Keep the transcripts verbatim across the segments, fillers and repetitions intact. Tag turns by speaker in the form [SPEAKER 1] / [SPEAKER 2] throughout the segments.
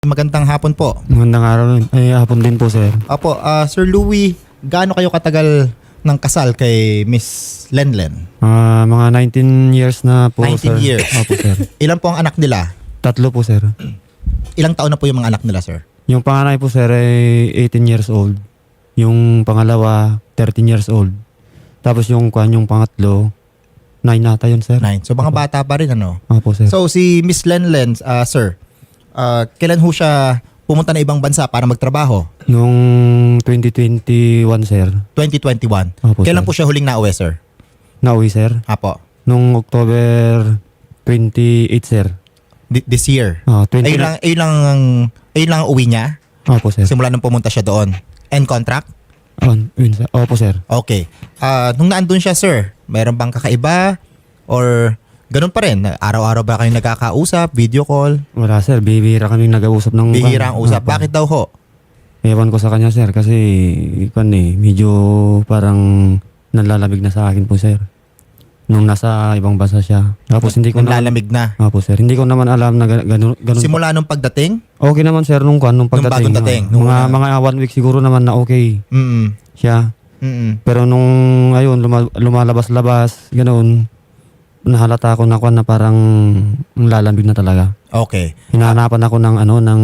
[SPEAKER 1] Magandang hapon po.
[SPEAKER 2] Magandang araw rin. Ay, hapon din po, sir.
[SPEAKER 1] Opo, ah, Sir Louie, gaano kayo katagal ng kasal kay Miss Lenlen?
[SPEAKER 2] Ah, mga nineteen years na po,
[SPEAKER 1] nineteen
[SPEAKER 2] sir.
[SPEAKER 1] years.
[SPEAKER 2] Opo, sir.
[SPEAKER 1] Ilan po ang anak nila?
[SPEAKER 2] Tatlo po, sir.
[SPEAKER 1] Ilang taon na po yung mga anak nila, sir?
[SPEAKER 2] Yung panganay po, sir, ay eighteen years old. Yung pangalawa, thirteen years old. Tapos yung kwan, yung pangatlo, nine nata yun, sir.
[SPEAKER 1] Nine. So mga
[SPEAKER 2] Opo.
[SPEAKER 1] bata pa rin, ano?
[SPEAKER 2] Opo, sir.
[SPEAKER 1] So si Miss Lenlen, ah, sir, ah, kailan ho siya pumunta na ibang bansa para magtrabaho?
[SPEAKER 2] Nung twenty twenty-one, sir.
[SPEAKER 1] twenty twenty-one.
[SPEAKER 2] Opo,
[SPEAKER 1] Kailan
[SPEAKER 2] sir.
[SPEAKER 1] po siya huling nauwi, sir?
[SPEAKER 2] Nauwi, sir.
[SPEAKER 1] Apo.
[SPEAKER 2] Nung October twenty-eight, sir.
[SPEAKER 1] Thi- This year.
[SPEAKER 2] Ah, twenty
[SPEAKER 1] Ayun lang, ayun lang, ayun lang ang uwi niya?
[SPEAKER 2] Opo, sir.
[SPEAKER 1] Simula nung pumunta siya doon. End contract?
[SPEAKER 2] Oh, yun, sir. Opo, sir.
[SPEAKER 1] Okay. Ah, nung naandun siya, sir, meron bang kakaiba? Or ganun pa rin? Araw-araw ba kayo nagkakausap? Video call?
[SPEAKER 2] Wala, sir. Bibihira kami nag-uusap ng...
[SPEAKER 1] Bihira ang usap.
[SPEAKER 2] Opo.
[SPEAKER 1] Bakit daw ho?
[SPEAKER 2] Ewan ko sa kanya, sir, kasi kan eh, medyo parang nanlalamig na sa akin po, sir. Nung nasa ibang bansa siya. Tapos hindi ko
[SPEAKER 1] Nung
[SPEAKER 2] na...
[SPEAKER 1] lalamig na.
[SPEAKER 2] Opo, sir. Hindi ko naman alam na ga- ganun. ganun
[SPEAKER 1] Simula nung pagdating?
[SPEAKER 2] Okay naman, sir, nung kwan, nung
[SPEAKER 1] Nung
[SPEAKER 2] pagdating.
[SPEAKER 1] bagong dating,
[SPEAKER 2] ah,
[SPEAKER 1] nung
[SPEAKER 2] mga,
[SPEAKER 1] una.
[SPEAKER 2] mga one week siguro naman na okay
[SPEAKER 1] Mm
[SPEAKER 2] siya.
[SPEAKER 1] mm
[SPEAKER 2] Pero nung, ayun, luma- lumalabas-labas, ganun, nahalata ako na kwan na parang ang lalamig na talaga.
[SPEAKER 1] Okay.
[SPEAKER 2] Hinahanapan ako ng ano, ng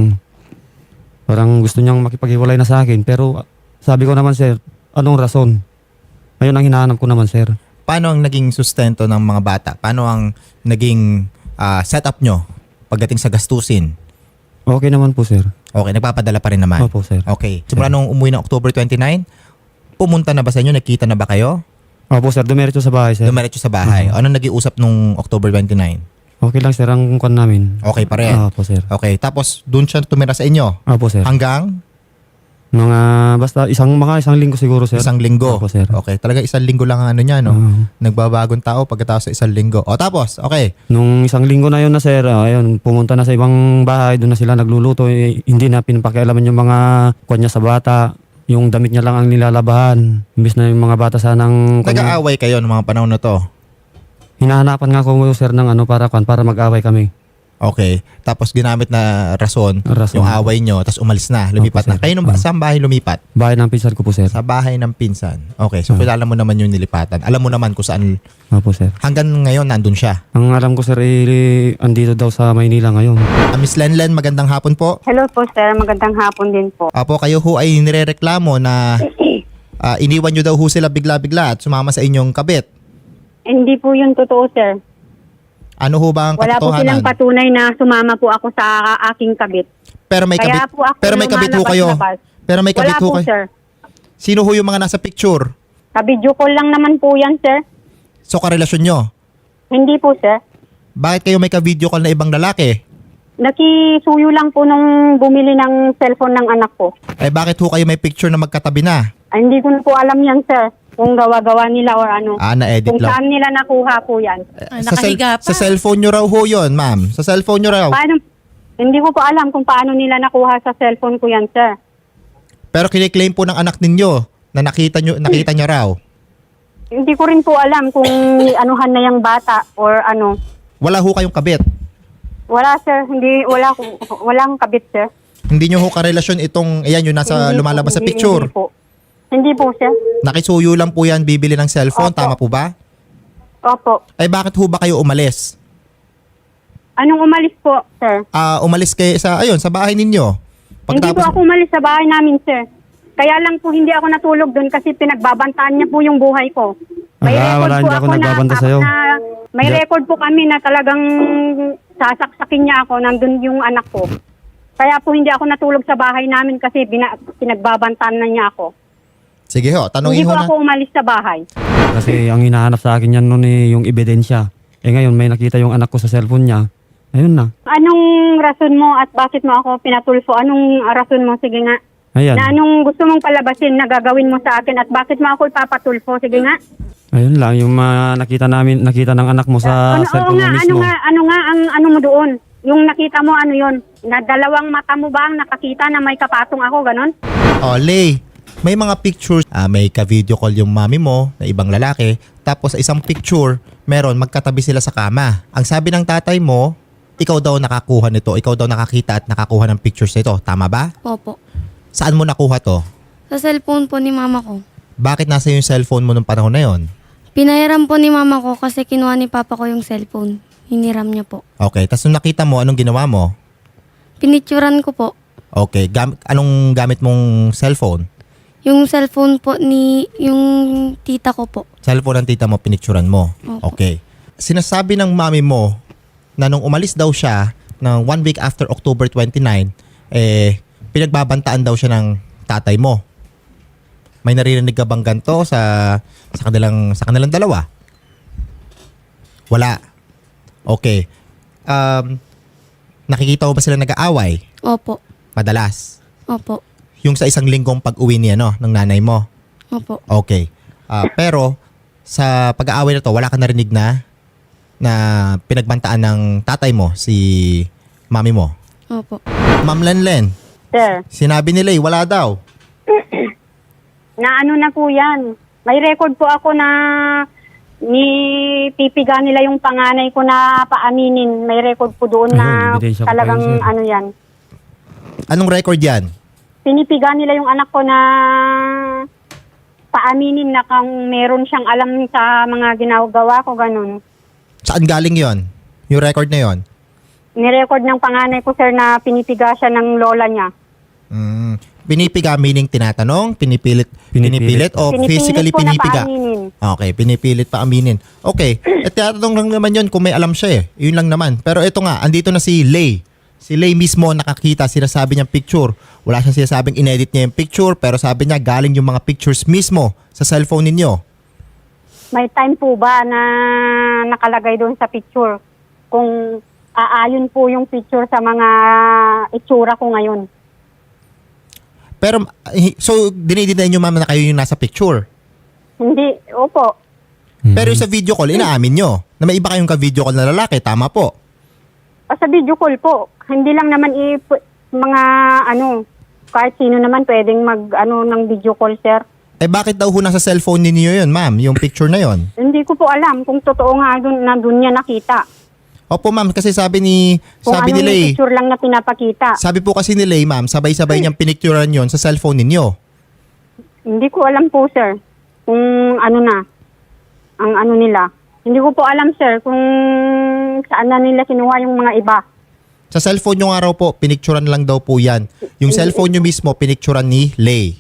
[SPEAKER 2] parang gusto niyang makipaghiwalay na sa akin. Pero sabi ko naman, sir, anong rason? Ayun ang hinahanap ko naman, sir.
[SPEAKER 1] Paano ang naging sustento ng mga bata? Paano ang naging ah, setup nyo pagdating sa gastusin?
[SPEAKER 2] Okay naman po, sir.
[SPEAKER 1] Okay, nagpapadala pa rin naman?
[SPEAKER 2] Opo, sir.
[SPEAKER 1] Okay. Simula nung umuwi ng October twenty-nine, pumunta na ba sa inyo? Nakita na ba kayo?
[SPEAKER 2] Opo, sir. Dumiretso sa bahay, sir.
[SPEAKER 1] Dumiretso sa bahay.
[SPEAKER 2] Mhm.
[SPEAKER 1] Ano nag-iusap nung October twenty-nine?
[SPEAKER 2] Okay lang, sir, ang kwan namin.
[SPEAKER 1] Okay pa rin?
[SPEAKER 2] Opo, sir.
[SPEAKER 1] Okay. Tapos, doon siya tumira sa inyo?
[SPEAKER 2] Opo, sir.
[SPEAKER 1] Hanggang
[SPEAKER 2] Mga, basta isang, mga isang linggo siguro, sir.
[SPEAKER 1] isang linggo?
[SPEAKER 2] Opo, sir.
[SPEAKER 1] Okay. Talaga isang linggo lang ang ano niya, no?
[SPEAKER 2] Oo.
[SPEAKER 1] Nagbabagong tao pagkatapos sa isang linggo. O tapos, okay.
[SPEAKER 2] Nung isang linggo na yun na, sir, ah, ayun, pumunta na sa ibang bahay, doon na sila nagluluto. Eh, hindi na pinapakialaman yung mga kwan niya sa bata. Yung damit niya lang ang nilalabahan. Imbis na yung mga bata sanang... kwan niya-
[SPEAKER 1] Nag-aaway kayo ng mga panahon na to?
[SPEAKER 2] Hinahanapan nga ko, sir, ng ano para kwan, para mag-away kami.
[SPEAKER 1] Okay. Tapos ginamit na rason,
[SPEAKER 2] Rason.
[SPEAKER 1] yung away nyo, tapos umalis na, lumipat
[SPEAKER 2] Opo,
[SPEAKER 1] na.
[SPEAKER 2] sir.
[SPEAKER 1] Kayo nung ba,
[SPEAKER 2] Ah.
[SPEAKER 1] saan bahay lumipat?
[SPEAKER 2] Bahay ng pinsan ko po, sir.
[SPEAKER 1] Sa bahay ng pinsan. Okay, so
[SPEAKER 2] Ah.
[SPEAKER 1] kilala mo naman yung nilipatan. Alam mo naman kung saan,
[SPEAKER 2] Opo, sir.
[SPEAKER 1] hanggang ngayon nandun siya.
[SPEAKER 2] Ang alam ko, sir, eh, andito daw sa Maynila ngayon.
[SPEAKER 1] Ah, Miss Lenlen, magandang hapon po.
[SPEAKER 3] Hello po sir, magandang hapon din po.
[SPEAKER 1] Apo, kayo ho ay nirereklamo na ah, iniwan nyo daw ho sila bigla-bigla at sumama sa inyong kabit.
[SPEAKER 3] Hindi po yun totoo sir.
[SPEAKER 1] Ano ho ba ang
[SPEAKER 3] Wala po silang
[SPEAKER 1] katotohanan?
[SPEAKER 3] patunay na sumama po ako sa aking kabit.
[SPEAKER 1] Pero may kabit,
[SPEAKER 3] Kaya po ako
[SPEAKER 1] pero may kabit ho kayo.
[SPEAKER 3] lumalabas-labas.
[SPEAKER 1] Pero may kabit
[SPEAKER 3] Wala
[SPEAKER 1] ho
[SPEAKER 3] po
[SPEAKER 1] kayo.
[SPEAKER 3] sir.
[SPEAKER 1] Sino ho yung mga nasa picture?
[SPEAKER 3] Ka-video call lang naman po yan sir.
[SPEAKER 1] So karelasyon nyo?
[SPEAKER 3] Hindi po sir.
[SPEAKER 1] Bakit kayo may ka-video call na ibang lalaki?
[SPEAKER 3] Nakisuyo lang po nung bumili ng cellphone ng anak ko.
[SPEAKER 1] Eh bakit ho kayo may picture na magkatabi na?
[SPEAKER 3] Ay, hindi ko na po alam yan sir. Kung gawa-gawa nila or ano.
[SPEAKER 1] Ah, na-edit
[SPEAKER 3] Kung
[SPEAKER 1] lang.
[SPEAKER 3] saan nila nakuha po yan.
[SPEAKER 4] Ah,
[SPEAKER 1] sa, cell-
[SPEAKER 4] nakahiga pa.
[SPEAKER 1] sa cellphone nyo raw ho yun, ma'am. Sa cellphone nyo raw.
[SPEAKER 3] Paano? Hindi ko po alam kung paano nila nakuha sa cellphone ko yan sir.
[SPEAKER 1] Pero kiniklaim po ng anak ninyo na nakita nyo, nakita nyo raw.
[SPEAKER 3] Hindi ko rin po alam kung anuhan na yung bata or ano.
[SPEAKER 1] Wala ho kayong kabit.
[SPEAKER 3] Wala sir, hindi wala ko- walang kabit sir.
[SPEAKER 1] Hindi nyo ho karelasyon itong, ayan yung nasa
[SPEAKER 3] Hindi
[SPEAKER 1] lumalabas
[SPEAKER 3] po,
[SPEAKER 1] sa
[SPEAKER 3] hindi-
[SPEAKER 1] picture.
[SPEAKER 3] Hindi po. Hindi po sir.
[SPEAKER 1] Nakisuyo lang po yan, bibili ng cellphone.
[SPEAKER 3] Opo.
[SPEAKER 1] Tama po ba?
[SPEAKER 3] Opo.
[SPEAKER 1] Ay bakit ho ba kayo umalis?
[SPEAKER 3] Anong umalis po sir?
[SPEAKER 1] Ah, umalis kayo sa, ayun, sa bahay ninyo.
[SPEAKER 3] Hindi po ako umalis sa bahay namin sir. Kaya lang po hindi ako natulog doon kasi pinagbabantaan niya po yung buhay ko. May
[SPEAKER 2] Ah,
[SPEAKER 3] record
[SPEAKER 2] wala,
[SPEAKER 3] po
[SPEAKER 2] hindi ako nagbabanta
[SPEAKER 3] na,
[SPEAKER 2] sa'yo.
[SPEAKER 3] na may
[SPEAKER 2] Hindi-
[SPEAKER 3] record po kami na talagang sasaksakin niya ako, nandun yung anak ko. Kaya po hindi ako natulog sa bahay namin kasi bina, pinagbabantaan na niya ako.
[SPEAKER 1] Sige ho,
[SPEAKER 3] Hindi
[SPEAKER 1] tanungin
[SPEAKER 3] po
[SPEAKER 1] ho na.
[SPEAKER 3] ako umalis sa bahay.
[SPEAKER 2] Kasi ang hinahanap sa akin yan noon eh, yung ebidensya. Eh ngayon, may nakita yung anak ko sa cellphone niya. Ayun na.
[SPEAKER 3] Anong rason mo at bakit mo ako pinatulfo? Anong rason mo? Sige nga.
[SPEAKER 2] Ayan.
[SPEAKER 3] Na anong gusto mong palabasin na gagawin mo sa akin at bakit mo ako ipapatulfo? Sige nga.
[SPEAKER 2] Ayun lang, yung mga nakita namin, nakita ng anak mo sa
[SPEAKER 3] ano, oo
[SPEAKER 2] cellphone
[SPEAKER 3] nga,
[SPEAKER 2] mo
[SPEAKER 3] ano
[SPEAKER 2] mismo.
[SPEAKER 3] nga, ano nga ang ano mo doon? Yung nakita mo, ano yon? Na dalawang mata mo ba ang nakakita na may kapatong ako, ganon?
[SPEAKER 1] Oh, Lay, may mga pictures, ah, may ka-video call yung mami mo na ibang lalaki, tapos sa isang picture, meron magkatabi sila sa kama. Ang sabi ng tatay mo, ikaw daw nakakuha nito, ikaw daw nakakita at nakakuha ng pictures nito. Tama ba?
[SPEAKER 4] Opo.
[SPEAKER 1] Saan mo nakuha to?
[SPEAKER 4] Sa cellphone po ni mama ko.
[SPEAKER 1] Bakit nasa yung cellphone mo nung panahon na yon?
[SPEAKER 4] Pinahiram po ni mama ko kasi kinuha ni papa ko yung cellphone. Hiniram niya po.
[SPEAKER 1] Okay, tapos nung nakita mo, anong ginawa mo?
[SPEAKER 4] Pinicturan ko po.
[SPEAKER 1] Okay, gam- anong gamit mong cellphone?
[SPEAKER 4] Yung cellphone po ni, yung tita ko po.
[SPEAKER 1] Cellphone ng tita mo, pinicturan mo.
[SPEAKER 4] Opo.
[SPEAKER 1] Okay. Sinasabi ng mami mo na nung umalis daw siya ng one week after October twenty-nine, eh, pinagbabantaan daw siya ng tatay mo. May naririnig ka bang ganito sa, sa, kanilang, sa kanilang dalawa? Wala. Okay. Um, nakikita mo ba sila nag-aaway?
[SPEAKER 4] Opo.
[SPEAKER 1] Madalas.
[SPEAKER 4] Opo.
[SPEAKER 1] Yung sa isang linggong pag-uwi niya, no? Ng nanay mo.
[SPEAKER 4] Opo.
[SPEAKER 1] Okay. Ah, pero sa pag-aaway na to, wala ka narinig na na pinagbantaan ng tatay mo, si mami mo.
[SPEAKER 4] Opo.
[SPEAKER 1] Ma'am Lenlen,
[SPEAKER 3] Sir,
[SPEAKER 1] sinabi nila eh, wala daw.
[SPEAKER 3] na ano na po yan. May record po ako na ni pipiga nila yung panganay ko na paaminin. May record po doon na
[SPEAKER 2] Ayun, ebidensya ko pa
[SPEAKER 3] talagang
[SPEAKER 2] yun, sir.
[SPEAKER 3] ano yan.
[SPEAKER 1] Anong record yan?
[SPEAKER 3] Pinipiga nila yung anak ko na paaminin na kung meron siyang alam sa mga ginagawa ko, ganun.
[SPEAKER 1] Saan galing yon? Yung record na yon?
[SPEAKER 3] Nirecord ng panganay ko, sir, na pinipiga siya ng lola niya.
[SPEAKER 1] Mm. Pinipiga meaning tinatanong, pinipilit,
[SPEAKER 2] Pinipilit.
[SPEAKER 1] pinipilit, o
[SPEAKER 3] Pinipilit
[SPEAKER 1] physically
[SPEAKER 3] po na
[SPEAKER 1] pinipiga?
[SPEAKER 3] paaminin.
[SPEAKER 1] Okay, pinipilit pa aminin. Okay, at tinatanong lang naman yon kung may alam siya eh. Yun lang naman. Pero ito nga, andito na si Lay. Si Lay mismo nakakita, sinasabi niyang picture. Wala siyang sinasabing inedit niya yung picture, pero sabi niya galing yung mga pictures mismo sa cellphone ninyo.
[SPEAKER 3] May time po ba na nakalagay doon sa picture kung aayon po yung picture sa mga itsura ko ngayon?
[SPEAKER 1] Pero, eh, so, dinidinayin niyo ma'am na kayo yung nasa picture.
[SPEAKER 3] Hindi, opo.
[SPEAKER 1] Pero yung sa video call, inaamin niyo na may iba kayong ka-video call na lalaki. Tama po.
[SPEAKER 3] O sa video call po, hindi lang naman i mga ano, kahit sino naman pwedeng mag ano ng video call, sir.
[SPEAKER 1] Eh bakit daw ho nasa cellphone ninyo yun, ma'am? Yung picture na yun?
[SPEAKER 3] Hindi ko po alam kung totoo nga doon na doon niya nakita.
[SPEAKER 1] Opo, ma'am. Kasi sabi ni,
[SPEAKER 3] Kung
[SPEAKER 1] sabi
[SPEAKER 3] ano
[SPEAKER 1] nila
[SPEAKER 3] yung
[SPEAKER 1] eh,
[SPEAKER 3] picture lang na pinapakita.
[SPEAKER 1] sabi po kasi nila eh, ma'am, sabay-sabay niyang pinicturean yon sa cellphone ninyo.
[SPEAKER 3] Hindi ko alam po, sir, kung ano na, ang ano nila. Hindi ko po alam, sir, kung saan na nila kinuha yung mga iba.
[SPEAKER 1] Sa cellphone nyo nga raw po, pinicturean lang daw po yan. Yung cellphone nyo mismo, pinicturean ni Lay.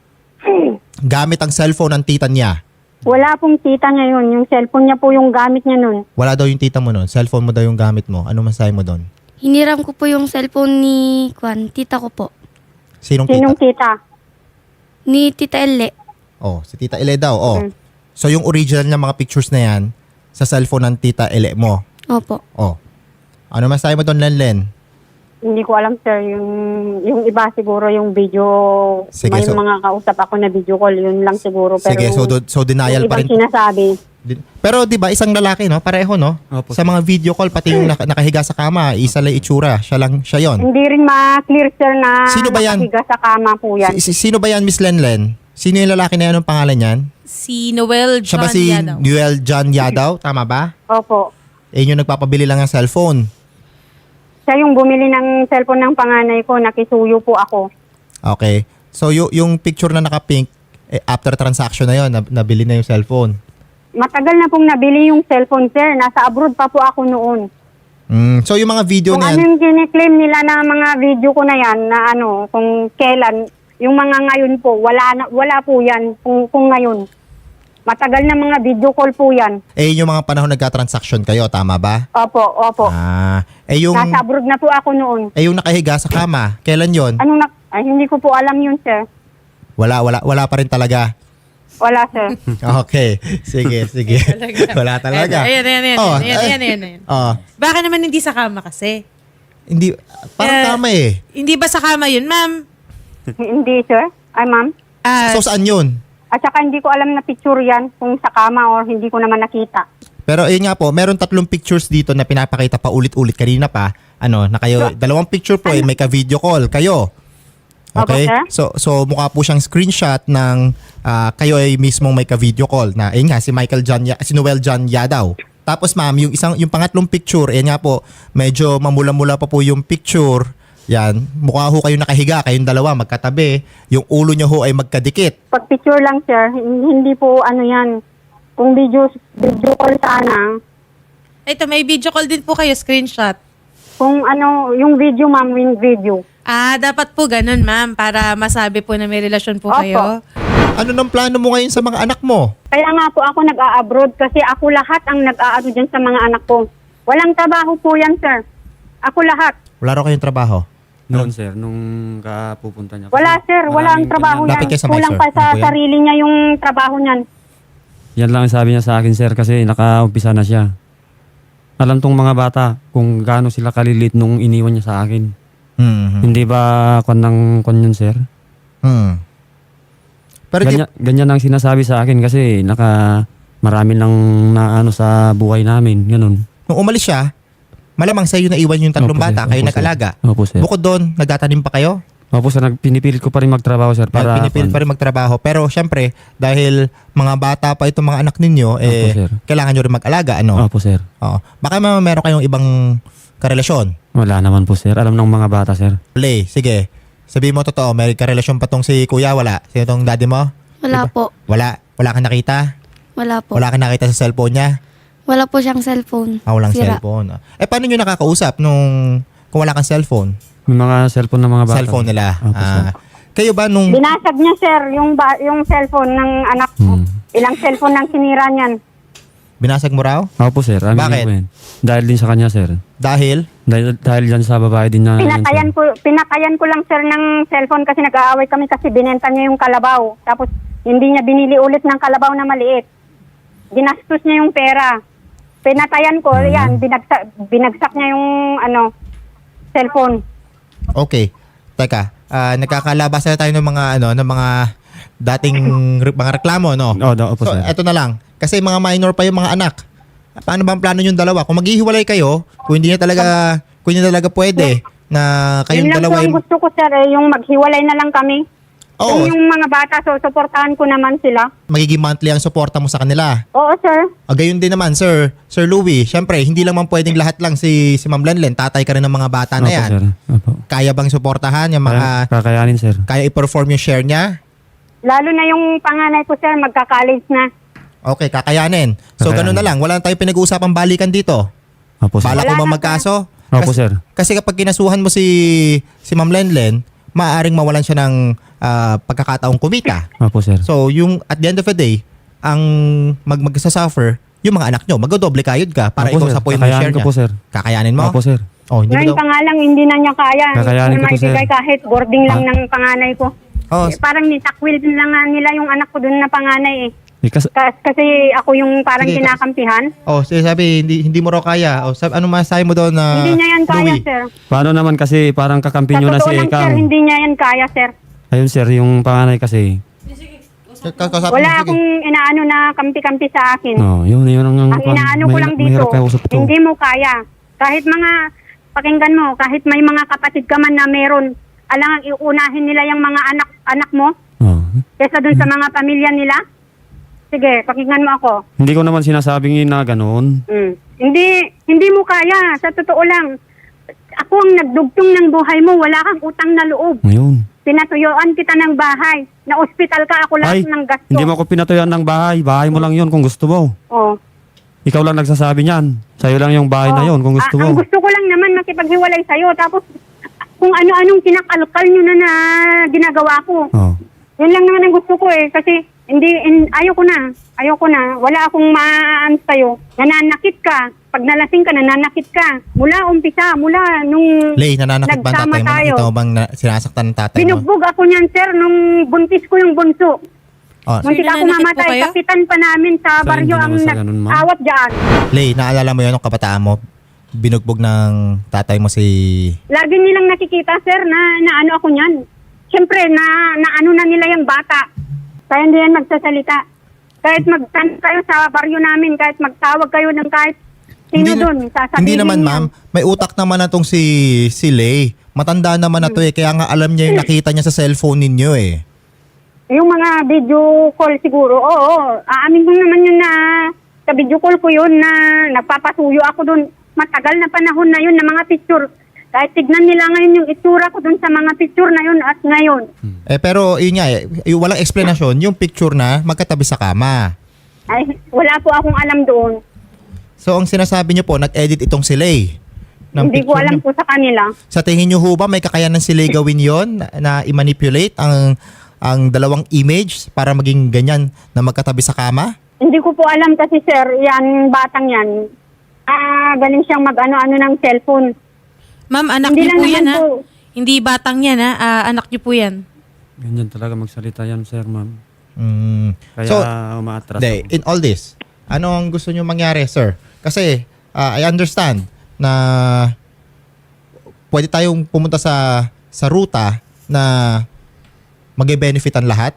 [SPEAKER 1] Gamit ang cellphone ng tita niya.
[SPEAKER 3] Wala pong tita niya yun. Yung cellphone niya po yung gamit niya nun.
[SPEAKER 1] Wala daw yung tita mo nun. Cellphone mo daw yung gamit mo. Ano masahe mo doon?
[SPEAKER 4] Hiniram ko po yung cellphone ni Kwan, tita ko po.
[SPEAKER 1] Sinong
[SPEAKER 3] Sinong
[SPEAKER 1] tita?
[SPEAKER 3] tita?
[SPEAKER 4] Ni Tita Elle.
[SPEAKER 1] Oh, si Tita Ele daw. Oh.
[SPEAKER 3] Mm.
[SPEAKER 1] So yung original na mga pictures na yan, sa cellphone ng Tita Ele mo.
[SPEAKER 4] Opo.
[SPEAKER 1] Oh. Ano masahe mo doon, Lenlen?
[SPEAKER 3] Hindi ko alam, sir. Yung, yung iba siguro yung video,
[SPEAKER 1] Sige,
[SPEAKER 3] may
[SPEAKER 1] so-
[SPEAKER 3] mga kausap ako na video call, yun lang siguro. Pero
[SPEAKER 1] Sige, so, do- so denial
[SPEAKER 3] yung
[SPEAKER 1] pa
[SPEAKER 3] ibang
[SPEAKER 1] rin.
[SPEAKER 3] sinasabi,
[SPEAKER 1] Di- Pero 'di ba isang lalaki no, pareho no?
[SPEAKER 2] Opo.
[SPEAKER 1] Sa mga video call pati yung naka- nakahiga sa kama, isa lang itsura, siya lang siya 'yon.
[SPEAKER 3] hindi rin ma-clear, sir, na
[SPEAKER 1] Sino ba yan?
[SPEAKER 3] nakahiga sa kama po yan.
[SPEAKER 1] Si, si- sino ba 'yan, Miss Lenlen? Sino yung lalaki na 'yan, anong pangalan niyan?
[SPEAKER 5] Si Noel
[SPEAKER 1] Siya
[SPEAKER 5] John
[SPEAKER 1] ba si
[SPEAKER 5] Yadaw.
[SPEAKER 1] Noel John Yadaw, tama ba?
[SPEAKER 3] Opo.
[SPEAKER 1] Eh yung nagpapabili lang ng cellphone.
[SPEAKER 3] Siya yung bumili ng cellphone ng panganay ko, nakisuyo po ako.
[SPEAKER 1] Okay. So y- yung picture na naka-pink, eh, after transaction na 'yon, nab- nabili na yung cellphone.
[SPEAKER 3] Matagal na pong nabili yung cellphone, sir. Nasa abroad pa po ako noon.
[SPEAKER 1] Mm, so yung mga video
[SPEAKER 3] Kung
[SPEAKER 1] na
[SPEAKER 3] ano
[SPEAKER 1] yan,
[SPEAKER 3] yung kiniklaim nila na mga video ko na yan, na ano, kung kailan, yung mga ngayon po, wala, na, wala po yan kung, kung ngayon. Matagal na mga video call po yan.
[SPEAKER 1] eh yung mga panahon nagka-transaction kayo, tama ba?
[SPEAKER 3] Opo, opo.
[SPEAKER 1] Ah, eh yung
[SPEAKER 3] Nasa abroad na po ako noon.
[SPEAKER 1] eh yung nakahiga sa kama, kailan 'yon?
[SPEAKER 3] Anong na, ay, hindi ko po alam yun, sir.
[SPEAKER 1] Wala, wala, wala pa rin talaga.
[SPEAKER 3] Wala, sir.
[SPEAKER 1] Okay. Sige, sige. Wala talaga.
[SPEAKER 5] Ayan, ayan, ayan.
[SPEAKER 1] Oh,
[SPEAKER 5] ayan,
[SPEAKER 1] eh,
[SPEAKER 5] ayan, ayan, ayan.
[SPEAKER 1] Oh,
[SPEAKER 5] Baka naman hindi sa kama kasi.
[SPEAKER 1] hindi, parang
[SPEAKER 5] Eh,
[SPEAKER 1] tama eh.
[SPEAKER 5] Hindi ba sa kama yun, ma'am?
[SPEAKER 3] Hindi, sir. Ay, ma'am.
[SPEAKER 5] Ah,
[SPEAKER 1] So, saan yun?
[SPEAKER 3] At saka hindi ko alam na picture yan kung sa kama or hindi ko naman nakita.
[SPEAKER 1] Pero ayun nga po, meron tatlong pictures dito na pinapakita pa ulit-ulit kanina pa. Ano, na kayo, dalawang picture po eh, may ka-video call kayo. Okay?
[SPEAKER 3] Opo, sir.
[SPEAKER 1] So, so mukha po siyang screenshot ng ah, kayo ay mismong may ka-video call na, ayun nga, si Michael John, Ya- si Noel John Yadaw. Tapos ma'am, yung isang yung pangatlong picture, ayan nga po, medyo mamula-mula pa po yung picture. Yan, mukha ho kayo nakahiga, kayong dalawa magkatabi. Yung ulo niyo ho ay magkadikit.
[SPEAKER 3] Pag picture lang, sir, hindi po ano yan. Kung video, video call sana,
[SPEAKER 5] Ito, may video call din po kayo, screenshot.
[SPEAKER 3] kung ano, yung video, ma'am, yung video.
[SPEAKER 5] Ah, dapat po ganun, ma'am, para masabi po na may relasyon po
[SPEAKER 3] Opo.
[SPEAKER 5] kayo.
[SPEAKER 1] Ano nang plano mo ngayon sa mga anak mo?
[SPEAKER 3] Kaya nga po ako nag-a-abroad kasi ako lahat ang nag-aano dyan sa mga anak ko. Walang trabaho po yan, sir. Ako lahat.
[SPEAKER 1] Wala raw kayong trabaho.
[SPEAKER 2] Noon, sir, nung kapupunta niya.
[SPEAKER 3] Wala, sir. Wala ang
[SPEAKER 2] Maraming
[SPEAKER 3] trabaho
[SPEAKER 2] ganyan.
[SPEAKER 1] Lapit
[SPEAKER 3] yan.
[SPEAKER 1] kayo sa mic,
[SPEAKER 3] Kulang
[SPEAKER 1] sir.
[SPEAKER 3] pa sa
[SPEAKER 1] Ano po yan?
[SPEAKER 3] sarili niya yung trabaho niyan.
[SPEAKER 2] Yan lang ang sabi niya sa akin, sir, kasi nakaumpisa na siya. Alam tong mga bata kung gaano sila kalilit nung iniwan niya sa akin.
[SPEAKER 1] Hmm.
[SPEAKER 2] Hindi ba kon ng kon yun, sir?
[SPEAKER 1] Hmm. Pero di,
[SPEAKER 2] Ganyan, ganyan ang sinasabi sa akin kasi naka marami nang naano sa buhay namin, ganun.
[SPEAKER 1] nung umalis siya, malamang sa iyo naiwan yung tatlong
[SPEAKER 2] Opo, sir.
[SPEAKER 1] bata, kayo
[SPEAKER 2] Opo, sir.
[SPEAKER 1] nag-alaga.
[SPEAKER 2] Opo, sir.
[SPEAKER 1] Bukod doon, nagtatanim pa kayo?
[SPEAKER 2] Opo, sir, nag- pinipilit ko pa rin magtrabaho, sir, para
[SPEAKER 1] Para pinipilit pa rin magtrabaho. Pero syempre, dahil mga bata pa itong mga anak ninyo, eh,
[SPEAKER 2] sir.
[SPEAKER 1] kailangan nyo rin mag-alaga. Ano?
[SPEAKER 2] Opo, sir.
[SPEAKER 1] Oo. Baka ma- meron kayong ibang karelasyon.
[SPEAKER 2] Wala naman po, sir. Alam ng mga bata, sir.
[SPEAKER 1] Lay, sige. Sabihin mo totoo, may karelasyon pa tong si kuya, wala? Sino tong daddy mo?
[SPEAKER 4] Wala po.
[SPEAKER 1] Wala. Wala kang nakita?
[SPEAKER 4] Wala po.
[SPEAKER 1] Wala kang nakita sa cellphone niya?
[SPEAKER 4] Wala po siyang cellphone.
[SPEAKER 1] Ah, walang
[SPEAKER 4] Sira.
[SPEAKER 1] cellphone. Eh, paano nyo nakakausap nung kung wala kang cellphone?
[SPEAKER 2] May mga cellphone ng mga bata.
[SPEAKER 1] Cellphone nila.
[SPEAKER 2] Opo, sir.
[SPEAKER 1] Ah, kayo ba nung...
[SPEAKER 3] Binasag niya, sir, yung, ba- yung cellphone ng anak ko.
[SPEAKER 2] Hmm.
[SPEAKER 3] Ilang cellphone ng sinira niyan.
[SPEAKER 1] Binasag mo raw?
[SPEAKER 2] Opo, sir. Amin
[SPEAKER 1] Bakit?
[SPEAKER 2] po yan. Dahil din sa kanya, sir.
[SPEAKER 1] Dahil?
[SPEAKER 2] Dahil, dahil dyan sa babae din na...
[SPEAKER 3] Pinatayan ko, pinatayan ko lang, sir, ng cellphone kasi nag-aaway kami kasi binenta niya yung kalabaw. Tapos, hindi niya binili ulit ng kalabaw na maliit. Ginastos niya yung pera. Pinatayan ko,
[SPEAKER 2] Hmm.
[SPEAKER 3] yan, binagsak, binagsak niya yung, ano, cellphone.
[SPEAKER 1] Okay. Teka, ah, nagkakalabasan na tayo ng mga ano, ng mga dating re- mga reklamo, no?
[SPEAKER 2] Oo, oh, opo,
[SPEAKER 1] So,
[SPEAKER 2] sir.
[SPEAKER 1] eto na lang. Kasi mga minor pa yung mga anak. Paano ba ang plano yung dalawa? Kung maghihiwalay kayo, kung hindi na talaga, kung hindi na talaga pwede na kayong
[SPEAKER 3] Yun lang
[SPEAKER 1] dalawa
[SPEAKER 3] po
[SPEAKER 1] ay...
[SPEAKER 3] ang gusto ko, sir, eh, yung maghiwalay na lang kami.
[SPEAKER 1] Oo,
[SPEAKER 3] Kung yung mga bata, so, suportahan ko naman sila.
[SPEAKER 1] magiging monthly ang suporta mo sa kanila.
[SPEAKER 3] Oo, sir.
[SPEAKER 1] O gayon din naman, Sir Sir Louie. Siyempre, hindi lang man pwedeng lahat lang si si Ma'am Lenlen. Tatay ka rin ng mga bata na
[SPEAKER 2] Opo,
[SPEAKER 1] yan.
[SPEAKER 2] sir. Opo.
[SPEAKER 1] Kaya bang suportahan yung
[SPEAKER 2] Kaya-
[SPEAKER 1] mga...
[SPEAKER 2] Kakayanin, sir.
[SPEAKER 1] Kaya i-perform yung share niya?
[SPEAKER 3] Lalo na yung panganay ko, sir, magka-college na.
[SPEAKER 1] Okay, kakayanin. So,
[SPEAKER 2] Kakayanin.
[SPEAKER 1] ganun na lang. Wala na tayong pinag-uusapang balikan dito.
[SPEAKER 2] Opo, sir.
[SPEAKER 1] Bala ko
[SPEAKER 3] Wala
[SPEAKER 1] ba
[SPEAKER 3] na,
[SPEAKER 1] magkaso?
[SPEAKER 2] Opo,
[SPEAKER 1] Kasi,
[SPEAKER 2] sir.
[SPEAKER 1] kasi kapag kinasuhan mo si si Ma'am Lenlen, maaaring mawalan siya ng ah, pagkakataong kumita.
[SPEAKER 2] Opo, sir.
[SPEAKER 1] So, yung at the end of the day, ang mag magsasuffer, yung mga anak nyo, magdodoble kayod ka para
[SPEAKER 2] Opo,
[SPEAKER 1] ikaw
[SPEAKER 2] sir.
[SPEAKER 1] sa point ng
[SPEAKER 2] Kakayanin
[SPEAKER 1] share
[SPEAKER 2] ko
[SPEAKER 1] niya.
[SPEAKER 2] po, sir.
[SPEAKER 1] Kakayanin mo?
[SPEAKER 2] Opo, sir.
[SPEAKER 1] Oh, hindi mo
[SPEAKER 3] Ngayon
[SPEAKER 1] daw.
[SPEAKER 3] pa nga lang, hindi na niya kaya.
[SPEAKER 2] Kakayanin
[SPEAKER 3] Hindi
[SPEAKER 2] ko
[SPEAKER 3] na
[SPEAKER 2] to, sir.
[SPEAKER 3] maibigay kahit boarding lang
[SPEAKER 2] Ah.
[SPEAKER 3] ng panganay ko.
[SPEAKER 1] Oh,
[SPEAKER 3] Eh, parang nitakwil din lang nga nila yung anak ko dun na panganay eh.
[SPEAKER 2] Eh, kas-
[SPEAKER 3] Kas- kasi ako yung parang
[SPEAKER 1] Sige,
[SPEAKER 3] kinakampihan.
[SPEAKER 1] oh, sige, sabi, hindi, hindi mo raw kaya. Oh, sabi, ano masasabi mo doon na
[SPEAKER 3] hindi niya yan kaya,
[SPEAKER 1] Louie?
[SPEAKER 3] sir.
[SPEAKER 2] paano naman kasi parang kakampi
[SPEAKER 3] Sa
[SPEAKER 2] nyo na
[SPEAKER 3] totoo
[SPEAKER 2] si
[SPEAKER 3] lang, sir,
[SPEAKER 2] Ekang.
[SPEAKER 3] hindi niya yan kaya, sir.
[SPEAKER 2] Ayun, sir, yung panganay kasi.
[SPEAKER 1] Ka- kausapin mo,
[SPEAKER 3] Wala
[SPEAKER 1] sige.
[SPEAKER 3] akong inaano na kampi-kampi sa akin.
[SPEAKER 2] Oh, yun, yun ang...
[SPEAKER 3] Ang inaano ko
[SPEAKER 2] may-
[SPEAKER 3] lang dito,
[SPEAKER 2] mahirap kausap to.
[SPEAKER 3] hindi mo kaya. Kahit mga, pakinggan mo, kahit may mga kapatid ka man na meron, alangang iunahin nila yung mga anak anak mo
[SPEAKER 2] Oh.
[SPEAKER 3] kesa dun sa mga pamilya nila. Sige, pakinggan mo ako.
[SPEAKER 2] Hindi ko naman sinasabing yun na ganun.
[SPEAKER 3] Mm. Hindi, hindi mo kaya. Sa totoo lang, ako ang nagdugtong ng buhay mo, wala kang utang na loob.
[SPEAKER 2] Ngayon.
[SPEAKER 3] Pinatuyuan kita ng bahay. Na ospital ka, ako lahat
[SPEAKER 2] Ay,
[SPEAKER 3] ng gasto.
[SPEAKER 2] hindi mo ako pinatuyan ng bahay. Bahay mo lang yun kung gusto mo.
[SPEAKER 3] Oh.
[SPEAKER 2] Ikaw lang nagsasabi niyan. Sa'yo lang yung bahay na
[SPEAKER 3] Oh.
[SPEAKER 2] yun kung gusto
[SPEAKER 3] Ah,
[SPEAKER 2] mo.
[SPEAKER 3] Ang gusto ko lang naman makipaghiwalay sa'yo. Tapos, kung ano-anong kinakalkal nyo na na ginagawa ko.
[SPEAKER 2] Oh.
[SPEAKER 3] Yun lang naman ang gusto ko eh. Kasi, hindi, in, ayoko na. Ayoko na. Wala akong maan sa'yo. Nananakit ka. Pag nalasing ka, nananakit ka. Mula umpisa, mula nung
[SPEAKER 1] Lay, nananakit ba ang
[SPEAKER 3] nagsama
[SPEAKER 1] tatay mo?
[SPEAKER 3] tayo.
[SPEAKER 1] Nakita mo bang na, sinasaktan ng tatay mo?
[SPEAKER 3] Binugbog ako niyan, sir, nung buntis ko yung bunso.
[SPEAKER 1] Oh,
[SPEAKER 3] Muntik ako
[SPEAKER 5] nananakit po
[SPEAKER 3] mamatay.
[SPEAKER 5] kayo?
[SPEAKER 3] Kapitan pa namin sa
[SPEAKER 2] Sir,
[SPEAKER 3] baryo
[SPEAKER 2] hindi
[SPEAKER 3] ang
[SPEAKER 2] naman sa ganun, ma'am.
[SPEAKER 3] nag-awat dyan.
[SPEAKER 1] Lay, naalala mo yun nung kabataan mo? Binugbog ng tatay mo si...
[SPEAKER 3] Lagi nilang nakikita, sir, na, na ano ako niyan. Siyempre, na, na ano na nila yung bata. Kaya hindi yan magsasalita. Kahit magtan kayo sa baryo namin, kahit magtawag kayo ng kahit sino
[SPEAKER 1] na-
[SPEAKER 3] doon, sasabihin
[SPEAKER 1] hindi naman,
[SPEAKER 3] niya.
[SPEAKER 1] ma'am. May utak naman na tong si, si Lay. Matanda naman na to eh. Kaya nga alam niya yung nakita niya sa cellphone ninyo eh.
[SPEAKER 3] Yung mga video call siguro, oo, aamin ko naman yun na Kabidyo call ko yun na nagpapasuyo ako doon. Matagal na panahon na yun na mga picture. Kahit tignan nila ngayon yung itsura ko doon sa mga picture na yun at ngayon.
[SPEAKER 1] Eh, pero yun nga, eh, yung walang explanation, yung picture na magkatabi sa kama.
[SPEAKER 3] Ay, wala po akong alam doon.
[SPEAKER 1] So, ang sinasabi niyo po, nag-edit itong si Lay. ng
[SPEAKER 3] Hindi ko
[SPEAKER 1] picture
[SPEAKER 3] alam
[SPEAKER 1] niyo.
[SPEAKER 3] po sa kanila.
[SPEAKER 1] Sa tingin niyo ho ba may kakayanan si Lay gawin yon na, na i-manipulate ang ang dalawang image para maging ganyan na magkatabi sa kama?
[SPEAKER 3] Hindi ko po alam kasi sir, yan batang yan. Ah, galing siyang mag-ano-ano ng cellphone.
[SPEAKER 5] Ma'am, anak
[SPEAKER 3] Hindi
[SPEAKER 5] niyo
[SPEAKER 3] lang
[SPEAKER 5] po yan
[SPEAKER 3] naman
[SPEAKER 5] ha?
[SPEAKER 3] po.
[SPEAKER 5] Hindi batang yan ha? Ah, anak niyo po yan.
[SPEAKER 2] Ganyan talaga magsalita yan, sir, ma'am.
[SPEAKER 1] Mm.
[SPEAKER 2] Kaya
[SPEAKER 1] So,
[SPEAKER 2] umaatras
[SPEAKER 1] Hindi,
[SPEAKER 2] ako.
[SPEAKER 1] in all this, ano ang gusto niyo mangyari, sir? Kasi ah, I understand na pwede tayong pumunta sa sa ruta na mag-benefit ang lahat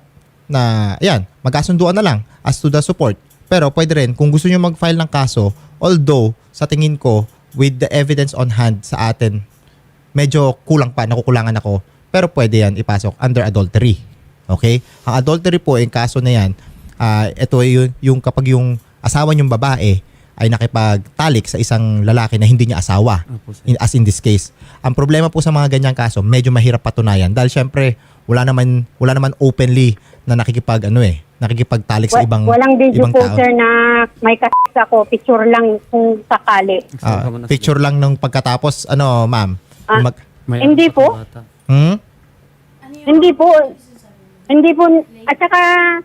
[SPEAKER 1] na ayan, magkasunduan na lang as to the support. Pero pwede rin kung gusto niyo mag-file ng kaso, although sa tingin ko with the evidence on hand sa atin, medyo kulang pa, nakukulangan ako. Pero pwede yan ipasok under adultery. Okay? Ang adultery po, yung kaso na yan, ah, ito yung, yung kapag yung asawa niyong babae ay nakipagtalik sa isang lalaki na hindi niya asawa.
[SPEAKER 2] Opo, sir.
[SPEAKER 1] In, as in this case. Ang problema po sa mga ganyang kaso, medyo mahirap patunayan. Dahil syempre, wala naman, wala naman openly na nakikipag, ano eh, nakikipagtalik sa
[SPEAKER 3] Wa-
[SPEAKER 1] ibang,
[SPEAKER 3] Walang video
[SPEAKER 1] ibang
[SPEAKER 3] po
[SPEAKER 1] tao.
[SPEAKER 3] sir na may kas ako, picture lang kung sakali.
[SPEAKER 1] Ah, picture lang nung pagkatapos, ano, ma'am?
[SPEAKER 3] Ah.
[SPEAKER 1] Mag,
[SPEAKER 2] May
[SPEAKER 3] Hindi
[SPEAKER 2] anak
[SPEAKER 3] po.
[SPEAKER 2] ako bata.
[SPEAKER 1] hmm?
[SPEAKER 3] Hindi po. Hindi po. At saka,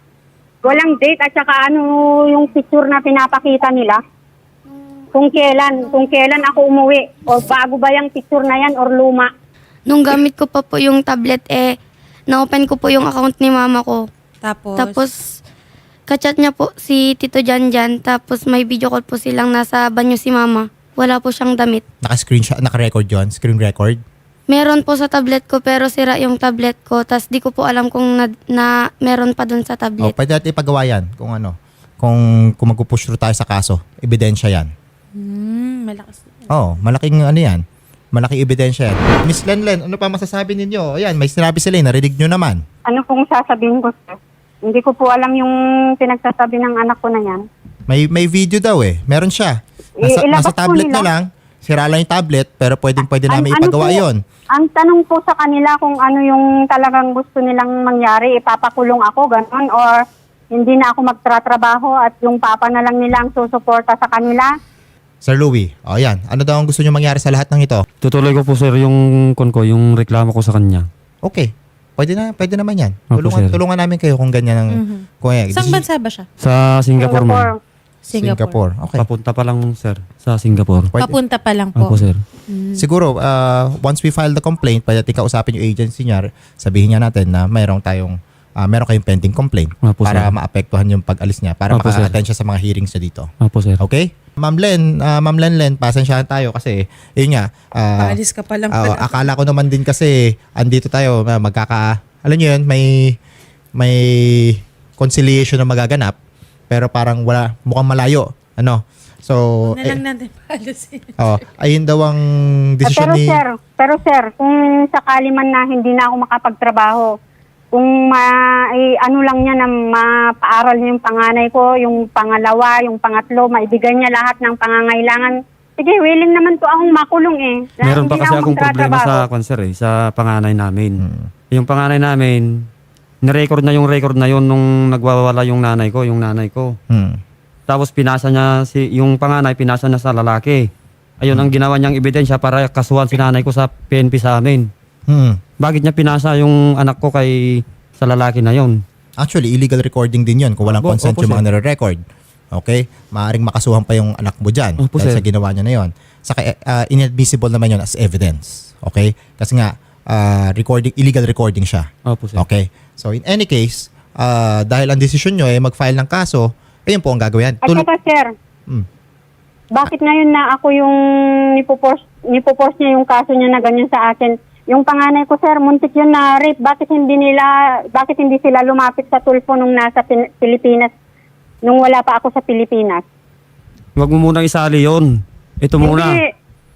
[SPEAKER 3] walang date at saka ano yung picture na pinapakita nila. Kung kailan, kung kailan ako umuwi. O bago ba yung picture na yan or luma.
[SPEAKER 4] Nung gamit ko pa po yung tablet, eh, na-open ko po yung account ni mama ko.
[SPEAKER 5] Tapos,
[SPEAKER 4] Tapos, kachat niya po si Tito Janjan. Tapos, may video call po silang nasa banyo si mama. Wala po siyang damit.
[SPEAKER 1] Naka-screenshot, naka-record yun? Screen record?
[SPEAKER 4] Meron po sa tablet ko pero sira yung tablet ko. Tapos, di ko po alam kung na, na meron pa dun sa
[SPEAKER 1] O,
[SPEAKER 4] tablet.
[SPEAKER 1] pwede natin ipagawa yan kung ano. Kung, kung magpupush through tayo sa kaso. Ebidensya yan.
[SPEAKER 5] hmm, malakas.
[SPEAKER 1] Oo, malaking ano yan. Malaking ebidensya yan. Miss Lenlen, ano pa masasabi ninyo? Ayan, may sinabi sila, eh, narinig nyo naman.
[SPEAKER 3] Ano pong sasabihin ko sir? Hindi ko po alam yung pinagsasabi ng anak ko na yan.
[SPEAKER 1] May may video daw eh. Meron siya. Nasa,
[SPEAKER 3] I- ilabas
[SPEAKER 1] nasa
[SPEAKER 3] po
[SPEAKER 1] tablet
[SPEAKER 3] nila.
[SPEAKER 1] na lang. Sira lang yung tablet, pero pwedeng pwede
[SPEAKER 3] An-
[SPEAKER 1] namin
[SPEAKER 3] ano
[SPEAKER 1] ipagawa
[SPEAKER 3] po,
[SPEAKER 1] yon.
[SPEAKER 3] Ang tanong po sa kanila kung ano yung talagang gusto nilang mangyari, ipapakulong ako, ganon, or hindi na ako magtratrabaho at yung papa na lang nila ang susuporta sa kanila.
[SPEAKER 1] Sir Louie, o yan. Ano daw ang gusto nyo mangyari sa lahat ng ito?
[SPEAKER 2] Tutuloy ko po, sir, yung kon ko, yung reklamo ko sa kanya.
[SPEAKER 1] Okay. Pwede na, pwede naman yan.
[SPEAKER 2] Opo,
[SPEAKER 1] Tulungan,
[SPEAKER 2] sir.
[SPEAKER 1] tulungan namin kayo kung ganyan ang...
[SPEAKER 5] Mhm.
[SPEAKER 1] Kung, eh,
[SPEAKER 5] Saan
[SPEAKER 1] this is-
[SPEAKER 5] bansa ba siya?
[SPEAKER 2] Sa Singapore, ma'am.
[SPEAKER 5] Singapore.
[SPEAKER 1] Singapore. Okay.
[SPEAKER 2] Papunta pa lang, sir, sa Singapore.
[SPEAKER 1] Pwede.
[SPEAKER 5] Papunta pa lang po.
[SPEAKER 2] Opo, sir.
[SPEAKER 1] Siguro, uh, once we file the complaint, pwede natin kausapin yung agency niya, sabihin niya natin na mayroong tayong, uh, mayroong kayong pending complaint
[SPEAKER 2] Opo,
[SPEAKER 1] para
[SPEAKER 2] sir.
[SPEAKER 1] maapektuhan yung pag-alis niya, para
[SPEAKER 2] Opo, sir.
[SPEAKER 1] maka-attend siya sa mga hearings niya dito.
[SPEAKER 2] Opo, sir.
[SPEAKER 1] Okay? Ma'am Len, uh, Ma'am Len Len, pasensyahan tayo kasi, yun nga, uh,
[SPEAKER 5] Paalis ka pa lang
[SPEAKER 1] uh,
[SPEAKER 5] pala.
[SPEAKER 1] akala ko naman din kasi, andito tayo, uh, magkaka, alam niyo yun, may, may conciliation na magaganap, pero parang wala, mukhang malayo. Ano? So,
[SPEAKER 5] Huwag na lang natin paalisin.
[SPEAKER 1] oh, ayun daw ang
[SPEAKER 3] Ah,
[SPEAKER 1] desisyon
[SPEAKER 3] pero
[SPEAKER 1] ni...
[SPEAKER 3] sir, pero sir, kung sakali man na hindi na ako makapagtrabaho, kung ma, eh, ano lang niya na mapaaral niya yung panganay ko, yung pangalawa, yung pangatlo, maibigay niya lahat ng pangangailangan. Sige, willing naman po akong makulong eh. Dahil
[SPEAKER 2] Meron pa
[SPEAKER 3] hindi na
[SPEAKER 2] kasi
[SPEAKER 3] ako
[SPEAKER 2] akong problema
[SPEAKER 3] magtatrabaho.
[SPEAKER 2] sa konser eh, sa panganay namin.
[SPEAKER 1] Hmm.
[SPEAKER 2] Yung panganay namin, nirecord na yung record na yun nung nagwawala yung nanay ko, yung nanay ko.
[SPEAKER 1] Hmm.
[SPEAKER 2] Tapos pinasa niya, si, yung panganay, pinasa niya sa lalaki. Ayun ang ginawa niyang ebidensya para kasuhan si nanay ko sa P N P sa amin.
[SPEAKER 1] Hmm.
[SPEAKER 2] Bakit niya pinasa yung anak ko kay sa lalaki na yon?
[SPEAKER 1] Actually, illegal recording din yun kung walang
[SPEAKER 2] Opo,
[SPEAKER 1] consent
[SPEAKER 2] opo,
[SPEAKER 1] yung mga
[SPEAKER 2] sir.
[SPEAKER 1] nire-record. Okay? Maaring makasuhan pa yung anak mo dyan
[SPEAKER 2] Opo,
[SPEAKER 1] dahil
[SPEAKER 2] sir.
[SPEAKER 1] sa ginawa niya na yun. Saka uh, inadmissible naman yun as evidence. Okay? Kasi nga, uh, recording, illegal recording siya.
[SPEAKER 2] Opo, sir.
[SPEAKER 1] Okay? So, in any case, uh, dahil ang desisyon nyo ay mag-file ng kaso, ayun po ang gagawin.
[SPEAKER 3] At
[SPEAKER 1] Tul-
[SPEAKER 3] saka sir,
[SPEAKER 1] Hmm.
[SPEAKER 3] bakit ngayon na ako yung nipopors, nipopors niya yung kaso niya na ganyan sa akin? Yung panganay ko sir, muntik yun na rape. Bakit hindi nila, bakit hindi sila lumapit sa tulpo nung nasa Pin- Pilipinas, nung wala pa ako sa Pilipinas?
[SPEAKER 2] Huwag mo munang isali yon. Ito muna.
[SPEAKER 3] Hindi.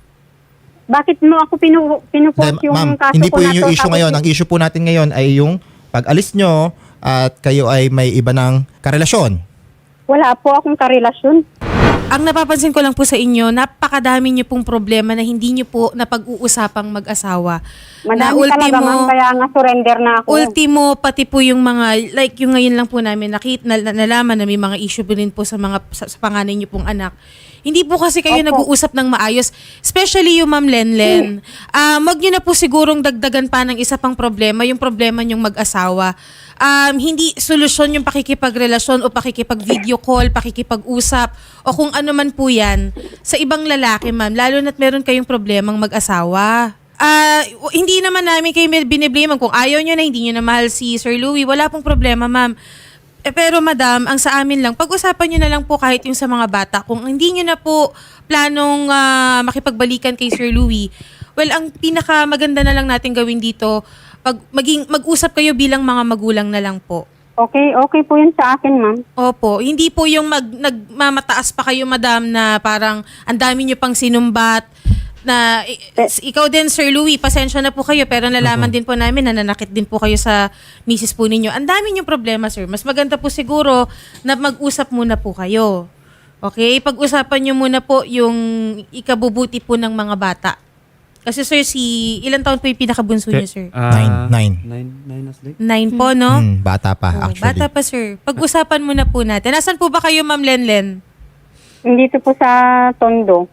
[SPEAKER 3] Bakit mo ako pinu, pinupost
[SPEAKER 1] Hindi,
[SPEAKER 3] yung
[SPEAKER 1] ma'am,
[SPEAKER 3] kaso
[SPEAKER 1] hindi
[SPEAKER 3] ko
[SPEAKER 1] po
[SPEAKER 3] na
[SPEAKER 1] yun
[SPEAKER 3] to?
[SPEAKER 1] yung issue
[SPEAKER 3] Tapos
[SPEAKER 1] ngayon. Ang issue po natin ngayon ay yung pag-alis nyo at kayo ay may iba ng karelasyon.
[SPEAKER 3] wala po akong karelasyon.
[SPEAKER 5] Ang napapansin ko lang po sa inyo, napakadami niyo pong problema na hindi niyo po napag-uusapang mag-asawa. Na
[SPEAKER 3] Madami talaga, ma'am, kaya nga surrender na ako.
[SPEAKER 5] Ultimo, pati po yung mga, like yung ngayon lang po namin, nakita, na, na- nalaman na may mga issue po rin po sa mga, sa, sa panganay niyo pong anak. Hindi po kasi kayo
[SPEAKER 3] Opo.
[SPEAKER 5] nag-uusap ng maayos. Especially yung Ma'am Lenlen. Ah, wag niyo na po sigurong dagdagan pa ng isa pang problema, yung problema niyong mag-asawa. Um, hindi solusyon yung pakikipagrelasyon o pakikipag-video call, pakikipag-usap, o kung ano man po yan sa ibang lalaki, ma'am. Lalo na't meron kayong problemang mag-asawa. Ah, w- hindi naman namin kayo biniblame. Kung ayaw nyo na, hindi nyo na mahal si Sir Louie, wala pong problema, ma'am. Eh, pero madam, ang sa amin lang, pag-usapan nyo na lang po kahit yung sa mga bata. Kung hindi nyo na po planong ah, makipagbalikan kay Sir Louie, well, ang pinaka maganda na lang natin gawin dito, pag maging mag-usap kayo bilang mga magulang na lang po.
[SPEAKER 3] Okay, okay po yun sa akin, ma'am.
[SPEAKER 5] Opo, hindi po yung mag, nagmamataas pa kayo, madam, na parang ang dami nyo pang sinumbat, na i- ikaw din, Sir Louie, pasensya na po kayo, pero nalaman din po namin na nanakit din po kayo sa misis po ninyo. Ang dami nyo problema, sir. Mas maganda po siguro na mag-usap muna po kayo. Okay? Pag-usapan nyo muna po yung ikabubuti po ng mga bata. Kasi sir, si ilang taon po yung pinakabunso nyo, sir?
[SPEAKER 2] Ah,
[SPEAKER 1] Nine, nine.
[SPEAKER 2] Nine, nine na sila.
[SPEAKER 5] Nine po, no?
[SPEAKER 1] Hmm, bata pa,
[SPEAKER 5] Oh,
[SPEAKER 1] actually.
[SPEAKER 5] bata pa, sir. Pag-usapan muna po natin. Nasaan po ba kayo, Ma'am Lenlen?
[SPEAKER 3] Dito po sa Tondo.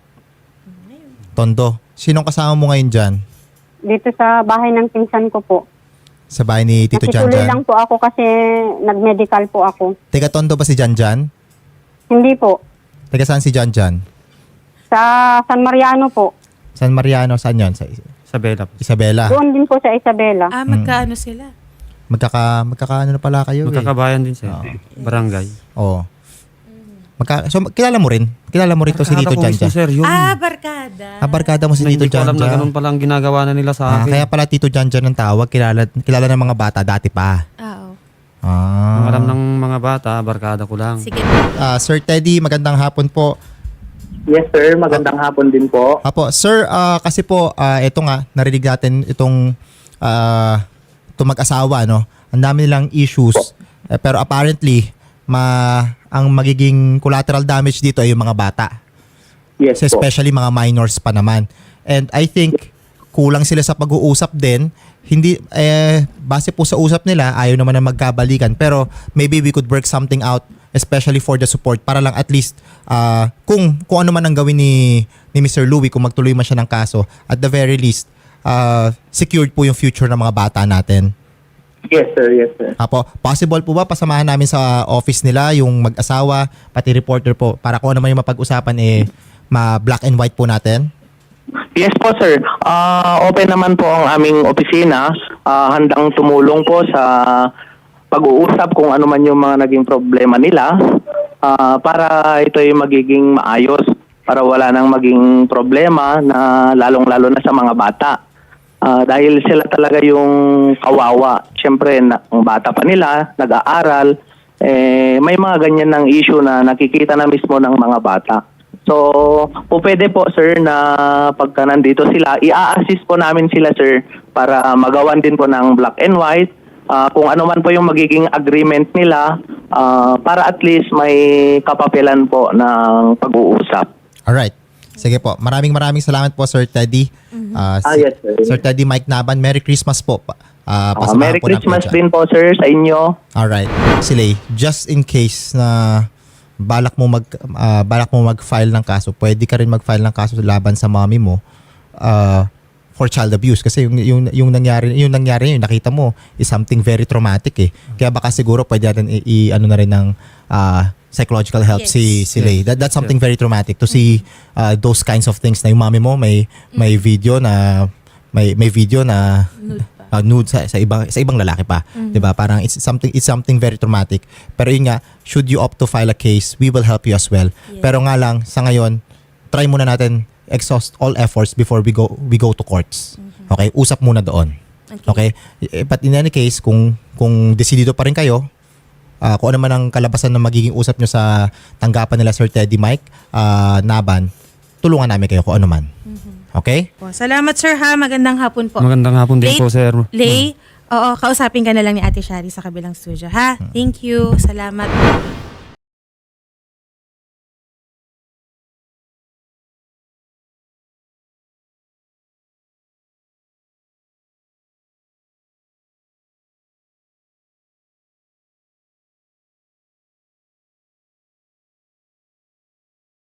[SPEAKER 1] Tondo, sinong kasama mo ngayon dyan?
[SPEAKER 3] Dito sa bahay ng pinsan ko po.
[SPEAKER 1] Sa bahay ni Tito Jan
[SPEAKER 3] Nakituloy
[SPEAKER 1] Jan?
[SPEAKER 3] lang po ako kasi nag-medical po ako.
[SPEAKER 1] Teka, Tondo ba si Jan Jan?
[SPEAKER 3] Hindi po.
[SPEAKER 1] Teka, saan si Jan Jan?
[SPEAKER 3] Sa San Mariano po.
[SPEAKER 1] San Mariano, saan yun? Sa
[SPEAKER 2] Sa Bella po.
[SPEAKER 1] Isabela.
[SPEAKER 3] Doon din po sa Isabela.
[SPEAKER 5] Ah, magkaano sila?
[SPEAKER 1] Magkaka, magkakaano na pala kayo eh.
[SPEAKER 2] Magkakabayan din sir. Barangay.
[SPEAKER 1] Oo. Magka, so, kilala mo rin? Kilala mo rin to si Tito
[SPEAKER 2] Nakakata ko
[SPEAKER 1] Jan
[SPEAKER 2] mismo,
[SPEAKER 1] Jan?
[SPEAKER 2] sir, yun.
[SPEAKER 5] Ah, barkada.
[SPEAKER 1] Ah, barkada mo si
[SPEAKER 2] Na
[SPEAKER 1] Tito
[SPEAKER 2] hindi ko
[SPEAKER 1] Jan
[SPEAKER 2] alam na
[SPEAKER 1] Jan.
[SPEAKER 2] ganun pala ang ginagawa na nila sa
[SPEAKER 1] Ah,
[SPEAKER 2] akin.
[SPEAKER 1] kaya pala Tito Jan Jan ang tawag. Kilala, kilala ng mga bata dati pa.
[SPEAKER 5] Ah, oh.
[SPEAKER 2] Ang
[SPEAKER 1] Ah.
[SPEAKER 2] alam ng mga bata, barkada ko lang.
[SPEAKER 5] Sige.
[SPEAKER 1] Ah, Sir Teddy, magandang hapon po.
[SPEAKER 6] Yes sir, magandang hapon din po.
[SPEAKER 1] Apo, sir, ah, kasi po, ah, ito nga, narinig natin itong, ah, itong mag-asawa, no? Ang dami nilang issues. Eh, pero apparently, ma, ang magiging collateral damage dito ay yung mga bata.
[SPEAKER 6] Yes
[SPEAKER 1] So,
[SPEAKER 6] po.
[SPEAKER 1] especially mga minors pa naman. And I think, kulang sila sa pag-uusap din. Hindi, eh, base po sa usap nila, ayaw naman na magkabalikan. Pero maybe we could work something out, especially for the support, para lang at least, ah, kung, kung ano man ang gawin ni, ni Mister Louie, kung magtuloy man siya ng kaso, at the very least, ah, secured po yung future ng mga bata natin.
[SPEAKER 6] Yes sir, yes sir.
[SPEAKER 1] Apo, possible po ba pasamahan namin sa office nila yung mag-asawa, pati reporter po, para kung ano man yung mapag-usapan, eh, ma-black and white po natin?
[SPEAKER 6] Yes po sir. Ah, open naman po ang aming opisina. Ah, handang tumulong po sa pag-uusap kung ano man yung mga naging problema nila, ah, para ito ay magiging maayos, para wala nang maging problema na lalong-lalo na sa mga bata. Ah, dahil sila talaga yung kawawa. Siyempre, na, ang bata pa nila, nag-aaral, eh, may mga ganyan ng issue na nakikita na mismo ng mga bata. So, po pwede po sir na pagka nandito sila, i-assist po namin sila sir para magawan din po ng black and white, ah, kung ano man po yung magiging agreement nila, ah, para at least may kapapilan po ng pag-uusap.
[SPEAKER 1] Alright. Sige po. Maraming maraming salamat po, Sir Teddy. Ah,
[SPEAKER 6] Ah,
[SPEAKER 1] si-
[SPEAKER 6] yes, sir.
[SPEAKER 1] Sir Teddy Mike Naban, Merry Christmas po. Pa- ah,
[SPEAKER 6] Ah,
[SPEAKER 1] pasamahan
[SPEAKER 6] Merry
[SPEAKER 1] po natin
[SPEAKER 6] Christmas
[SPEAKER 1] dyan.
[SPEAKER 6] din po sir sa inyo.
[SPEAKER 1] Alright. Silay, just in case na balak mo mag ah, balak mo mag-file ng kaso, pwede ka rin mag-file ng kaso laban sa mommy mo ah, for child abuse kasi yung yung yung nangyari yung nangyari yung nakita mo is something very traumatic eh. Kaya baka siguro pwede natin i, i- ano na rin ng ah, psychological help
[SPEAKER 5] Yes.
[SPEAKER 1] si si Lay. That that's something very traumatic to see uh, those kinds of things na yung mommy mo may may video na may may video na
[SPEAKER 5] Nude pa.
[SPEAKER 1] uh, nude sa, sa ibang sa ibang lalaki pa, 'di ba? Parang it's something it's something very traumatic. Pero yun nga, should you opt to file a case, we will help you as well.
[SPEAKER 5] Yes.
[SPEAKER 1] Pero nga lang sa ngayon, try muna natin exhaust all efforts before we go we go to courts. Okay? Usap muna doon. Okay? Eh, But in any case, kung kung desidido pa rin kayo, ah, kung ano man ang kalabasan na magiging usap nyo sa tanggapan nila Sir Teddy Mike ah, Naban, tulungan namin kayo kung ano man. Okay?
[SPEAKER 5] Po. Salamat sir ha. Magandang hapon po.
[SPEAKER 2] Magandang hapon din
[SPEAKER 5] Late-
[SPEAKER 2] po, sir.
[SPEAKER 5] Lay, oo, kausapin ka na lang ni Ate Shari sa kabilang studio ha. Thank you. Salamat.